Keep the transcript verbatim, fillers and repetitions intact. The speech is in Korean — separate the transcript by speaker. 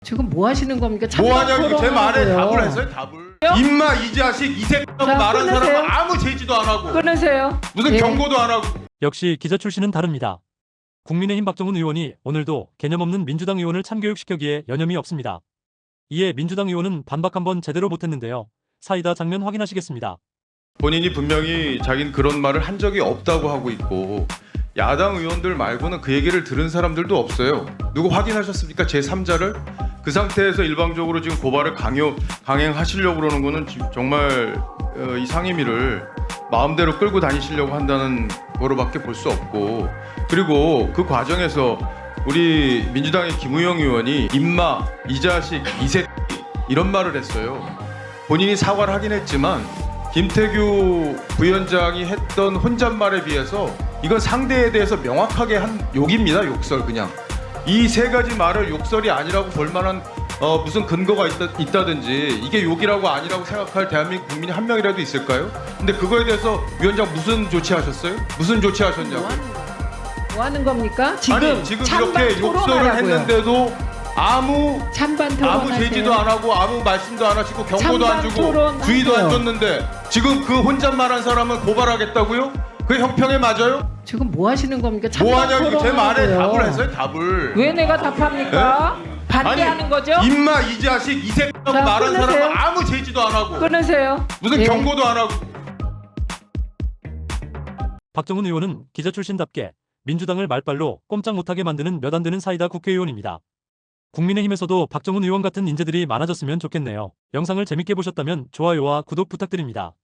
Speaker 1: 지금 뭐 하시는 겁니까?
Speaker 2: 뭐 하냐고 제 말에
Speaker 1: 토론하고요.
Speaker 2: 답을 했어요. 답을. 임마 이 자식 이 새끼라고
Speaker 1: 자,
Speaker 2: 말한
Speaker 1: 끊으세요.
Speaker 2: 사람은 아무 제지도 안 하고
Speaker 1: 끊으세요.
Speaker 2: 무슨
Speaker 1: 예.
Speaker 2: 경고도 안 하고.
Speaker 3: 역시 기자 출신은 다릅니다. 국민의힘 박정훈 의원이 오늘도 개념 없는 민주당 의원을 참교육시켜기에 여념이 없습니다. 이에 민주당 의원은 반박 한번 제대로 못했는데요. 사이다 장면 확인하시겠습니다.
Speaker 2: 본인이 분명히 자기는 그런 말을 한 적이 없다고 하고 있고 야당 의원들 말고는 그 얘기를 들은 사람들도 없어요. 누구 확인하셨습니까? 제삼자를? 그 상태에서 일방적으로 지금 고발을 강요, 강행하시려고 그러는 거는 지- 정말 어, 이 상임위를 마음대로 끌고 다니시려고 한다는 거로밖에 볼 수 없고, 그리고 그 과정에서 우리 민주당의 김우영 의원이 임마, 이 자식, 이 새끼 이런 말을 했어요. 본인이 사과를 하긴 했지만 김태규 부위원장이 했던 혼잣말에 비해서 이건 상대에 대해서 명확하게 한 욕입니다. 욕설. 그냥 이 세 가지 말을 욕설이 아니라고 볼 만한 어, 무슨 근거가 있다, 있다든지 이게 욕이라고 아니라고 생각할 대한민국 국민이 한 명이라도 있을까요? 근데 그거에 대해서 위원장 무슨 조치하셨어요? 무슨 조치하셨냐고.
Speaker 1: 뭐 하는, 거- 뭐 하는 겁니까? 지금,
Speaker 2: 아니 지금
Speaker 1: 찬반
Speaker 2: 이렇게 욕설을
Speaker 1: 토론하라고요.
Speaker 2: 했는데도 아무
Speaker 1: 찬반
Speaker 2: 아무
Speaker 1: 토론하세요.
Speaker 2: 제지도 안 하고 아무 말씀도 안 하시고 경고도 안
Speaker 1: 찬반
Speaker 2: 주고
Speaker 1: 토론하세요.
Speaker 2: 주의도 안 줬는데 지금 그 혼잣말한 사람은 고발하겠다고요? 그게 형평에 맞아요?
Speaker 1: 지금 뭐 하시는 겁니까?
Speaker 2: 뭐
Speaker 1: 찬반
Speaker 2: 하냐고 제 말에
Speaker 1: 토론하고요.
Speaker 2: 답을 했어요. 답을.
Speaker 1: 왜 내가 답합니까? 반대하는 거죠?
Speaker 2: 임마 이 자식 이 새끼라고
Speaker 1: 자,
Speaker 2: 말한
Speaker 1: 끊으세요.
Speaker 2: 사람은 아무 제지도 안 하고
Speaker 1: 끊으세요.
Speaker 2: 무슨
Speaker 1: 예.
Speaker 2: 경고도 안 하고.
Speaker 3: 박정훈 의원은 기자 출신답게 민주당을 말빨로 꼼짝 못하게 만드는 몇 안 되는 사이다 국회의원입니다. 국민의힘에서도 박정훈 의원 같은 인재들이 많아졌으면 좋겠네요. 영상을 재밌게 보셨다면 좋아요와 구독 부탁드립니다.